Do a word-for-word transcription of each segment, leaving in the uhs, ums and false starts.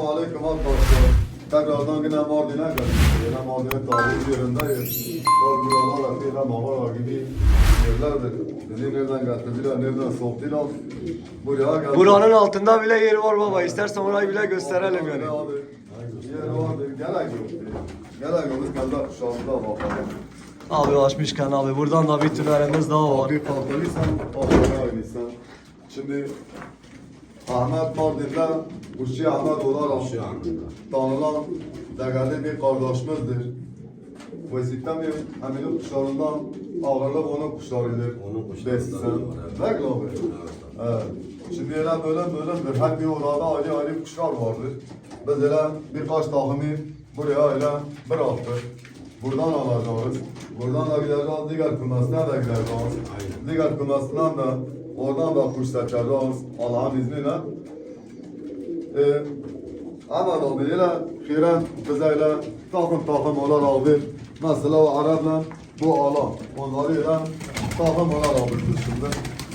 Selamun Aleyküm arkadaşlar. Tekrardan yine Mardin'e geldik. Yine Mardin'in tarihi yerindeyiz. Bak buralar akıyla mağara gibi yerlerdir. Bizi nereden getirdiler, nereden soktular. Buraya geldik. Buranın altında bile yeri var baba. İstersen orayı bile gösterelim yani. Abi, yer vardır. Gerek yok. Gerek yok. Biz kendi kuşağımıza bakalım. Abi açmışken abi buradan da bir tünerimiz daha var. Bir kalkalıysan, kalkana oynaysan. Şimdi Ahmet Mardin'de Kuşçu Ahmet olarak tanınan değerli bir kardeşimizdir. Bu sistemi Emin'in kuşlarından ağırlık onun kuşlarıdır. Onun kuşlarından Desin. var, evet. Değil mi abi? Evet. Şimdi öyle böyle bölümdür. Her bir orada ayrı ayrı kuşlar vardır. Biz öyle birkaç takımı buraya öyle bıraktık. Buradan alacağız. Buradan da gideceğiz, diğer kümesine de gideceğiz. Diğer kümesinden de oradan da kuş seçeceğiz Allah'ın izniyle. Ee, ama da böyle Hiren bize öyle takım takım olarak alır. Mesela o Arap'la bu alan. Onları öyle takım olarak alır şimdi.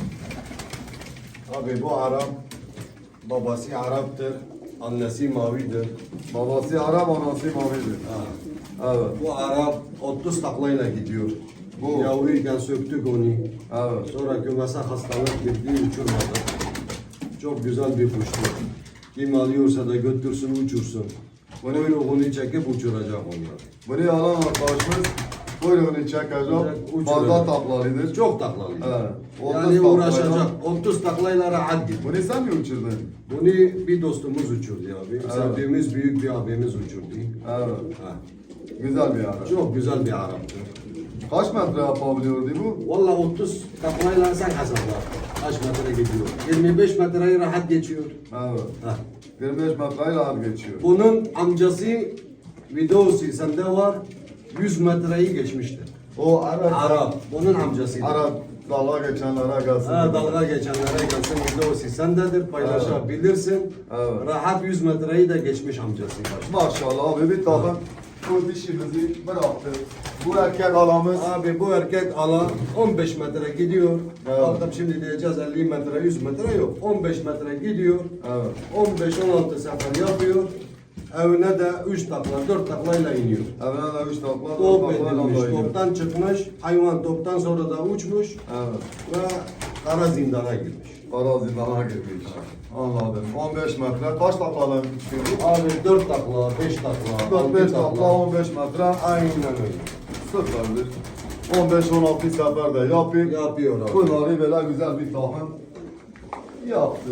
Abi bu Arap, babası Arap'tır, annesi mavidir. Babası Arap, anası mavidir. Ha. Evet. Bu Arap otuz taklayla gidiyor. Bu. Yavruyken söktük onu. Evet. Sonra kümese hastalık girdi, uçurmadı. Çok güzel bir kuştur. Kim alıyorsa da götürsün, uçursun. Kuyruğunu çekip uçuracak onlar. Bunu alan arkadaşımız kuyruğunu çekecek. Uçuracak. Fazla taklalıdır. Çok taklalı. Evet. otuz Yani taklayla- uğraşacak. otuz taklayla rahat gidiyor. Bunu sen mi uçurdun? Bunu bir dostumuz uçurdu abi. Sevdiğimiz büyük bir abimiz uçurdu. Evet. Ha. Güzel bir ara. Çok güzel bir Arap'tı. Kaç metre yapabiliyordu bu? Vallahi otuz taklayla sen hesapla. Kaç metre gidiyor? yirmi beş metreyi rahat geçiyor. Evet. Ha. yirmi beş metreyle ağır geçiyor. Bunun amcası videosu sende var. yüz metreyi geçmişti. O Arap. Arap. Bunun amcasıydı. Arap dalga geçenlere gelsin. Ha, dalga geçenlere gelsin videosu sendedir, paylaşabilirsin. Evet. Rahat yüz metreyi de geçmiş amcası. Maşallah abi bir takım bu dişimizi bıraktı. Bu erkek alamız. Abi bu erkek ala on beş metre gidiyor. Evet. Baktım şimdi diyeceğiz elli metre, yüz metre yok. on beş metre gidiyor. Evet. on beş on altı sefer yapıyor. Evine de üç takla, dört taklayla iniyor. Evine de üç takla. Top dört taklayla edilmiş, da iniyor. toptan çıkmış. Hayvan toptan sonra da uçmuş Evet. ve kara zindana girmiş. Arazilere girmiş. Anladım. on beş metre. Kaç taklalı çıkıyor? Abi dört takla, beş takla, dört beş altı takla takla. on beş metre. Aynen öyle. Sıfırdır. on beş on altı seferde yapıp Yapıyor abi. bunları böyle güzel bir takım yaptı.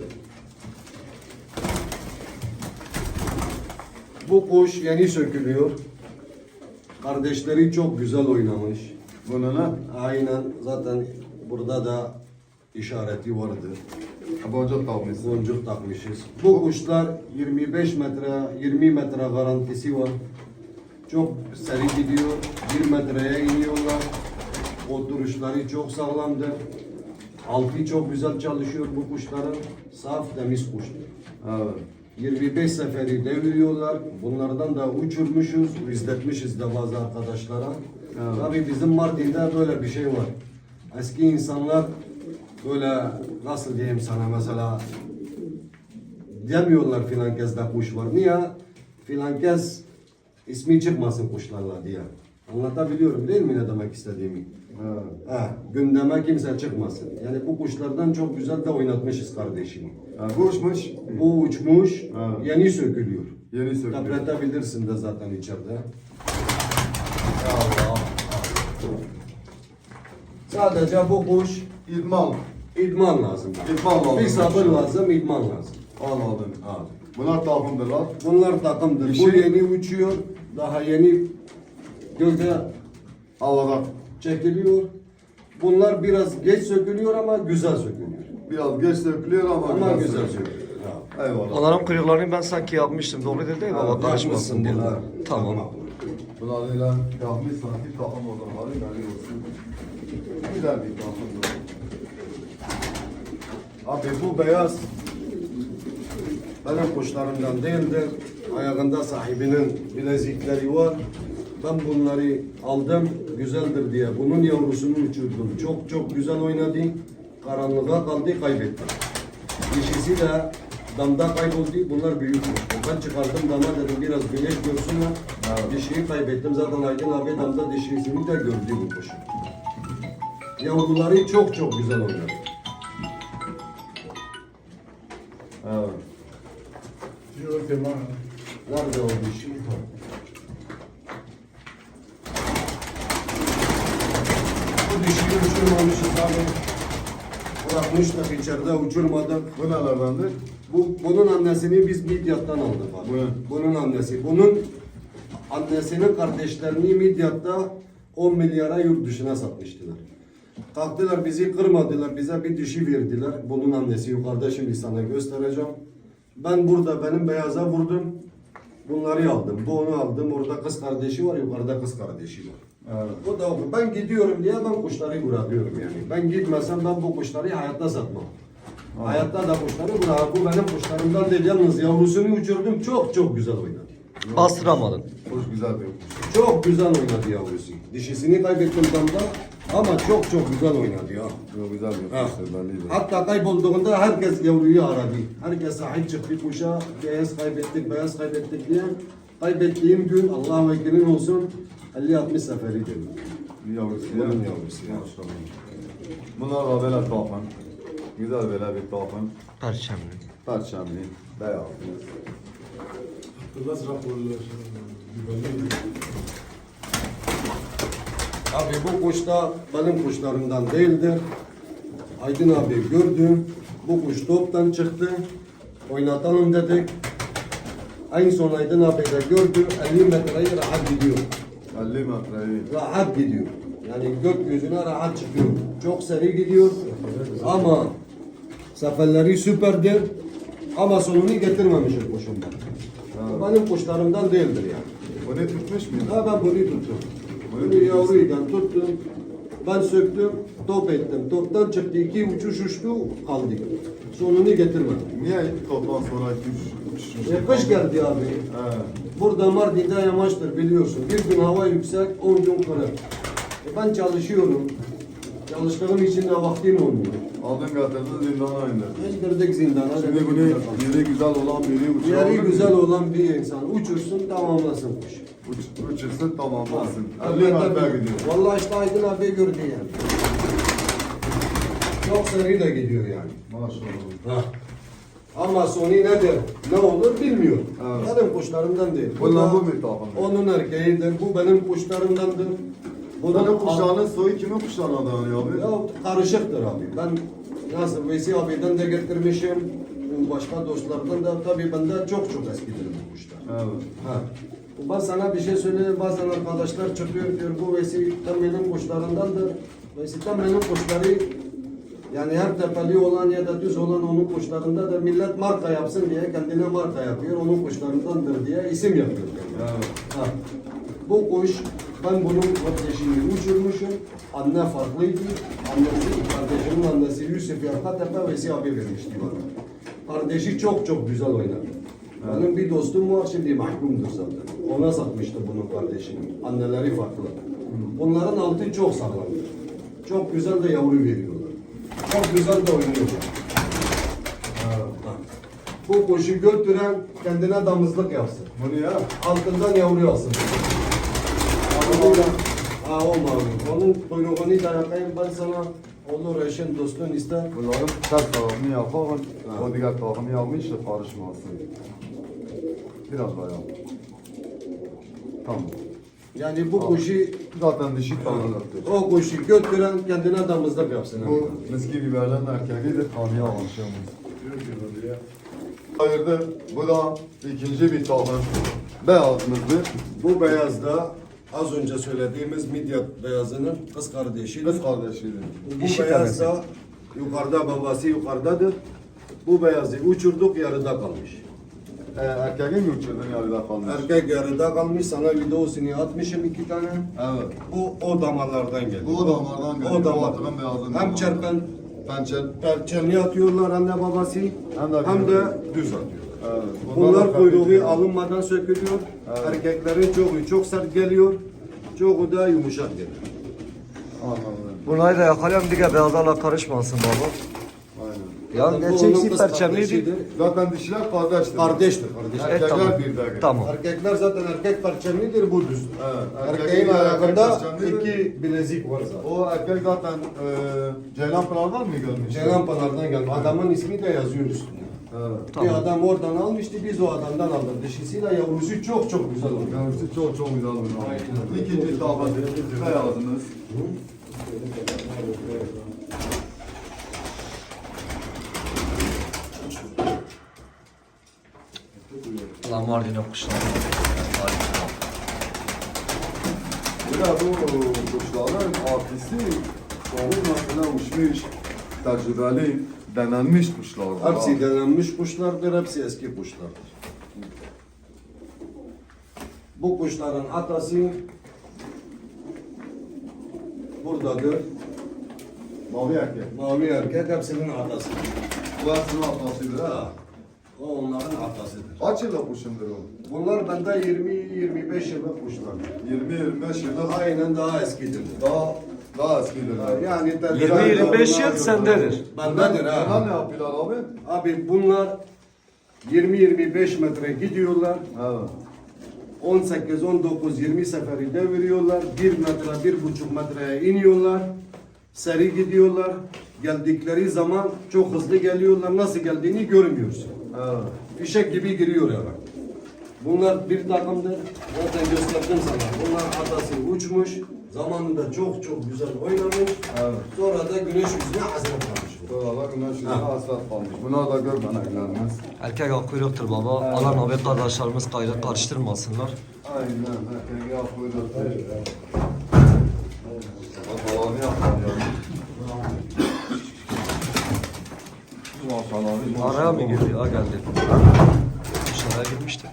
Bu kuş yeni sökülüyor. Kardeşleri çok güzel oynamış. Bunu ne? Aynen zaten burada da işareti vardır. Boncuk takmışsın. Boncuk takmışız. Bu kuşlar yirmi beş metre, yirmi metre garantisi var. Çok seri gidiyor. bir metreye iniyorlar. Oturuşları çok sağlamdır. Altı çok güzel çalışıyor bu kuşların. Saf temiz kuştur. Evet. yirmi beş seferi deviriyorlar. Bunlardan da uçurmuşuz, izletmişiz de bazı arkadaşlara. Evet. Tabii bizim Mardin'de böyle bir şey var. Eski insanlar böyle nasıl diyeyim sana mesela demiyorlar filan kezde kuş var. Niye? Filan kez ismi çıkmasın kuşlarla diye. Anlatabiliyorum değil mi ne demek istediğimi? Evet. Ha, gündeme kimse çıkmasın. Yani bu kuşlardan çok güzel de oynatmışız kardeşimi. Yani bu uçmuş. Bu uçmuş, Evet. yeni sökülüyor. Yeni sökülüyor. Depretebilirsin de zaten içeride. Allah. Sadece bu kuş İdman. idman lazım. İdman lazım. Bir sabır lazım, idman lazım. Anladım. Abi. Bunlar takımdırlar. Bunlar takımdır. Bir Bu şey- yeni uçuyor, daha yeni gölge Havada. çekiliyor. Bunlar biraz geç sökülüyor ama güzel sökülüyor. Biraz geç sökülüyor ama, Ama biraz güzel sökülüyor. sökülüyor. Abi. Eyvallah. Onların kuyruklarını ben sanki yapmıştım. Doğru değil değil mi? Baba karışmasın diye. bunlar. Tamam. Bunlarla yapmış sanki takım odaları belli olsun. Güzel bir takımdır. Abi bu beyaz benim kuşlarımdan değildir. Ayağında sahibinin bilezikleri var. Ben bunları aldım, güzeldir diye. Bunun yavrusunu uçurdum. Çok çok güzel oynadı. Karanlığa kaldı, kaybetti. Dişisi de damda kayboldu. Bunlar büyük kuş. Ben çıkardım dama dedim biraz güneş görsünler. Evet. Dişiyi kaybettim. Zaten Aydın abi damda dişisini de gördü bu kuşun. Yavruları çok çok güzel oynadı. Evet. Nerede o dişi? Bu dişiyi uçurmamışız abi. Bırakmıştık içeride uçurmadık. Bu nelerdendir? Bu, bunun annesini biz Midyat'tan aldık abi. Bu ne? Bunun annesi. Bunun annesinin kardeşlerini Midyat'ta on milyara yurt dışına satmıştılar. Kalktılar bizi kırmadılar. Bize bir dişi verdiler. Bunun annesi yukarıda şimdi sana göstereceğim. Ben burada benim beyaza vurdum. Bunları aldım. Bu onu aldım. Orada kız kardeşi var. Yukarıda kız kardeşi var. Evet. O da o. Ben gidiyorum diye ben kuşları bırakıyorum yani. Ben gitmesem ben bu kuşları hayatta satmam. Aha. Hayatta da kuşları bırak. Bu benim kuşlarımdan değil. Yalnız yavrusunu uçurdum. Çok çok güzel oynadı. Bastıramadın. Hoş güzel bir kuş. Çok güzel oynadı yavrusu. Dişisini kaybettim damda ama çok çok güzel oynadı ya. Çok güzel bir Ha. kuştur belli. Hatta kaybolduğunda herkes yavruyu aradı. Herkes sahip çıktı kuşa. Beyaz kaybettik, beyaz kaybettik diye. Kaybettiğim gün Allah'a vekilin olsun elli altmış seferi dedim. Bir yavrusu Bunun ya. yavrusu ya. Maşallah. Bunlar da böyle takım. Güzel böyle bir takım. Perçemli. Perçemli, beyaz. Abi bu kuş da benim kuşlarımdan değildir. Aydın abi gördü. Bu kuş toptan çıktı. Oynatalım dedik. En son Aydın abi de gördü. elli metreyi rahat gidiyor. elli metreyi. Rahat gidiyor. Yani gökyüzüne rahat çıkıyor. Çok seri gidiyor. Ama seferleri süperdir. Ama sonunu getirmemişim kuşum ben. Bu benim kuşlarımdan değildir yani. Bunu tutmuş muydu? Ha ben bunu tuttum. Bunu yavruyken tuttum. Ben söktüm, top ettim. Toptan çıktı, iki uçuş uçtu, kaldı. Sonunu getirmedim. Niye toptan sonra iki üç üç E, kış geldi abi. He. Burada Mardin'de yamaçtır biliyorsun. Bir gün hava yüksek, on gün kırık. E, ben çalışıyorum. Çalıştığım için de vaktim olmuyor. Aldın getirdin zindana indirdin. İndirdik zindana. Şimdi dedik, bunu burada kaldı. yeri güzel olan biri uçuyor. Yeri güzel olan bir insan uçursun, tamamlasın kuş. Uç, uçursun tamamlasın. Tabii, elli tabii. metre gidiyor. Vallahi işte Aydın abi gördü yani. Çok seri de gidiyor yani. Maşallah. Ha. Ama sonu nedir, ne olur bilmiyorum. Evet. Benim kuşlarımdan değil. Bu Bundan da bu bir takım. onun erkeğidir, bu benim kuşlarımdandır. Bunların kuşlarının soyu kimin kuşlarına dayanıyor abi? Ya karışıktır abi. Ben nasıl Veysi abiden de getirmişim, başka dostlardan da tabii bende çok çok eskidir bu kuşlar. Evet. Ha. Ben sana bir şey söyleyeyim, bazen arkadaşlar çıkıyor diyor bu Veysi tam benim kuşlarındandır. Veysi tam benim kuşları yani her tepeli olan ya da düz olan onun kuşlarında da millet marka yapsın diye kendine marka yapıyor. Onun kuşlarındandır diye isim yapıyor. kendine. Evet. Ha. Bu kuş ben bunun kardeşini uçurmuşum. Anne farklıydı. Annesi, kardeşimin annesi Yusuf Yarkatepe Veysi abi vermişti bana. Kardeşi çok çok güzel oynadı. Benim bir dostum var şimdi mahkumdur zaten. Ona satmıştı bunun kardeşini. Anneleri farklı. Bunların altı çok sağlamdır. Çok güzel de yavru veriyorlar. Çok güzel de oynuyorlar. Ha. Bu kuşu götüren kendine damızlık yapsın. Bunu ya. Altından yavru alsın. Onu da, ha o mavi. Onun kuyruğunu da yapayım ben sana. Olur eşin dostun ister. Bunların ters tarafını yapalım. Ha. O diğer tarafını yapmış da karışmasın. Biraz daha yap. Tamam. Yani bu kuşu, Zaten dişi tanrıdır. o kuşu götüren kendine damızlık yapsın. Bu miski biberlerin erkeğidir. Tanrıya alışıyoruz. Hayırdır? Bu da ikinci bir takım. Beyazımızdır. Bu beyaz da az önce söylediğimiz Midyat beyazının kız kardeşidir. Kız kardeşidir. Bu Dişi beyaz tanesi. da yukarıda, babası yukarıdadır. Bu beyazı uçurduk, yarıda kalmış. Ee, erkeği mi uçurdun yarıda kalmış? Erkek yarıda kalmış, sana videosunu atmışım iki tane. Evet. Bu o damarlardan geliyor. Bu damardan geliyor. O damar. Batıran beyazın Hem damarı. çerpen, Pençel. perçemli atıyorlar anne babası, Hem de- hem de düz atıyor. Evet. Bunlar da kuyruğu farklı. alınmadan sökülüyor. Evet. Erkeklerin çoğu çok sert geliyor, çoğu da yumuşak geliyor. Anladım. Bunları da yakalayalım diye beyazlarla karışmasın baba. Aynen. Ya Bu gerçek onun çift kız perçemliydi. kardeşidir. Zaten dişiler kardeştir. Kardeştir, kardeştir. Evet, Erkekler tamam. birdədir. Tamam. Erkekler zaten erkek perçemlidir, bu düz. Evet, Erkeğin erkeğin ayakında erkek perçemlidir. iki bilezik var zaten. O erkek zaten e, Ceylan Pınar'dan mı gelmiş? Ceylan Pınar'dan geldi. Adamın ismi de yazıyor üstünde. Evet. Tamam. Bir adam oradan almıştı, biz o adamdan aldık. Dişisiyle yavrusu çok çok güzel oldu. Yavrusu çok çok güzel olmuş. Aynen. İkinci tabak beyazınız. Lan Mardin'e kuşlar. Harika. Bir de bu kuşların artisi çoğu mesela uçmuş, tecrübeli, denenmiş kuşlardır. Hepsi denenmiş kuşlardır, hepsi eski kuşlardır. Bu kuşların atası buradadır. Mavi erkek. Mavi erkek hepsinin atası. Bu hepsinin atlasıdır ha. O onların atasıdır. Kaç yıllık kuşundur o? Bunlar bende yirmi yirmi beş yıllık kuşlar. yirmi yirmi beş yıllık Aynen daha eskidir. daha daha eskidir. Yani yirmi yirmi beş yıl sendedir. Bendedir Bunlar ha. ne yapıyorlar abi? Abi bunlar yirmi yirmi beş metre gidiyorlar. Evet. on sekiz on dokuz yirmi seferi deviriyorlar. bir metre bir buçuk metreye iniyorlar. Seri gidiyorlar. Geldikleri zaman çok hızlı geliyorlar. Nasıl geldiğini görmüyorsun. Evet. Fişek gibi giriyor eve. Bunlar bir takımdır. Zaten gösterdim sana. Bunlar atası uçmuş. Zamanında çok çok güzel oynamış. Evet. Sonra da güneş yüzüne hasret kalmış. Buralar güneş yüzüne Ha. hasret kalmış. Bunlar da görmeneklerimiz. Erkek akkuyruktur baba. Alan abi kardeşlerimiz gayrı karıştırmasınlar. Aynen. Erkeği yapıyoruz. Babalarını yapar yani. Maşallah. Araya mı girdi? Ha geldi. Dışarıya girmişti.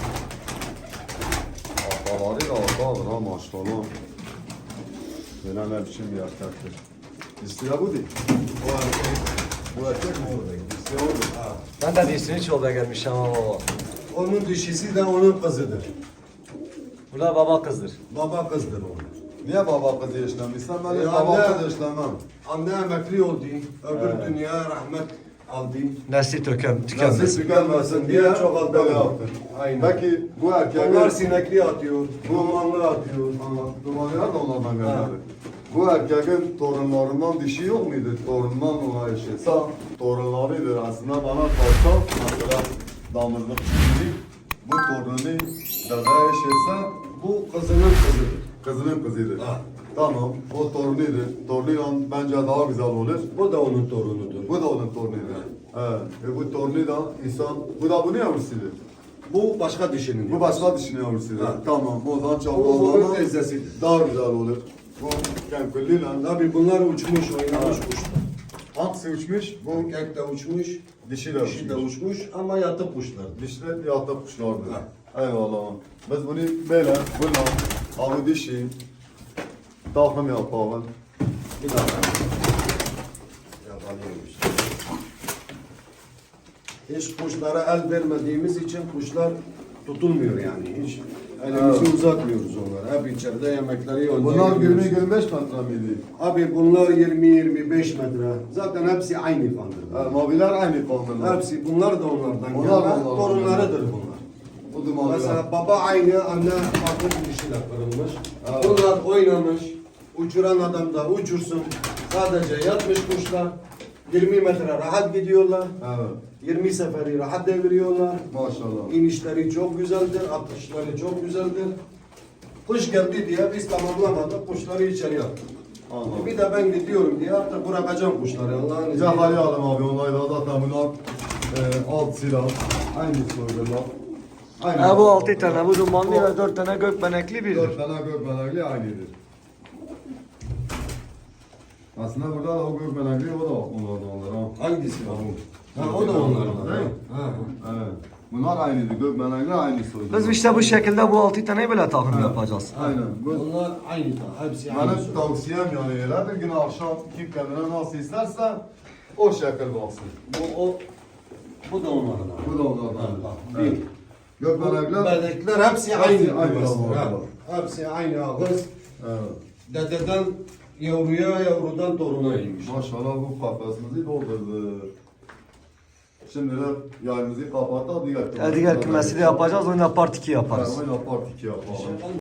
Babaları da orada ha maşallah. Böyle ne biçim bir erkektir. İstila bu değil. O erkek. Bu erkek mi orada? İstila o değil. Ben de dişini çoğuya gelmiş ama baba. Onun dişisi de onun kızıdır. Bu da baba kızdır. Baba kızdır o. Niye baba kızı yaşlanmışsan ben de Ya baba anne- kızı yaşlanmam. Anne emekli oldu. Öbür dünya rahmet aldı. Nesli tökem, Nasıl tükenmesin. tükenmesin diye Çok aldı. böyle yaptın. Aynen. Peki bu erkekler... Onlar sinekli atıyor, dumanlı atıyor. Dumanlar da onlardan Ha. geldi. Bu erkeğin torunlarından dişi yok muydu? Torundan ona yaşasa torunlarıdır. Aslında bana kalsa mesela damızlık şimdi bu torunu dede yaşasa Bu kızının kızıdır. kızının kızıdır. Ha. Tamam, o torunuydu. Torunuyla bence daha güzel olur. Bu da onun torunudur. Bu da onun torunuydu. Evet. E bu torunu da insan, bu da bunu yavrusuydu. Bu başka dişinin. Bu başka dişini yavrusuydu. Ha. Tamam, o zaman Bu bunun çaprazlarla teyzesidir. daha güzel olur. Bu kenkülliyle Tabii bunlar uçmuş, oynamış kuşlar. hangisi uçmuş? Bu Erkek de uçmuş, dişi de dişi de uçmuş. uçmuş ama yatıp kuşlar. Dişler yatta kuşlardı. Ha. Eyvallah. Biz bunu böyle, bununla, alı dişi, takım yapalım. Bir daha. Yakalıyormuş. Hiç kuşlara el vermediğimiz için kuşlar tutulmuyor yani. Hiç elimizi Evet. uzatmıyoruz onlara. Hep içeride yemekleri yiyor. Bunlar yirmi yirmi beş metre miydi? Abi bunlar yirmi yirmi beş metre. Zaten hepsi aynı Ha, kandırlar. maviler aynı kaldırlar. Hepsi bunlar da onlardan Onlar da gelme. onlardan Torunlarıdır bunlar. Bu dumanlar. Mesela baba aynı, anne farklı bir dişiyle kırılmış. Evet. Bunlar oynamış. Uçuran adam da uçursun. Sadece yatmış kuşlar. yirmi metre rahat gidiyorlar. Evet. yirmi seferi rahat deviriyorlar. Maşallah. İnişleri çok güzeldir, atışları çok güzeldir. Kuş geldi diye biz tamamlamadık, kuşları içeri attık. Anladım. Bir de ben gidiyorum diye artık bırakacağım kuşları Allah'ın izniyle. Cahali alım abi, onlar da zaten bunlar e, alt silah. Aynı soydular. Aynı. Ha bu altı tane, bu dumanlı ve dört tane gökbenekli birdir. Dört tane gökmenekli aynıdır. Aslında burada da o gökmenekli o da onlardan onlar ha. Hangisi o? Ha o da onlardan. Evet. Ha, ha. Evet. Bunlar aynıdır. Gökmenekli aynı soydular. Biz işte bu şekilde bu altı taneyi böyle takım yapacağız. Aynen. Bu, Onlar aynı da, hepsi aynı. benim tavsiyem yani öyle bir gün akşam kim kendine nasıl isterse o şekil baksın. Bu, o, bu da onlardan. Bu da onlardan. Ha, bak, Evet. bir. Gökmenekler. Berdekler hepsi Hepsi aynı. aynı ağız. ağız. Ha, Hepsi aynı ağız. Evet. Dededen yavruya, yavrudan toruna inmiş. Maşallah bu kafasımızı doldurdu. Şimdi de yayımızı kapatalım. Diğer Ya diğer kümesi de yapacağız. Oyunda part iki yaparız. Yani oyuna part iki yapalım.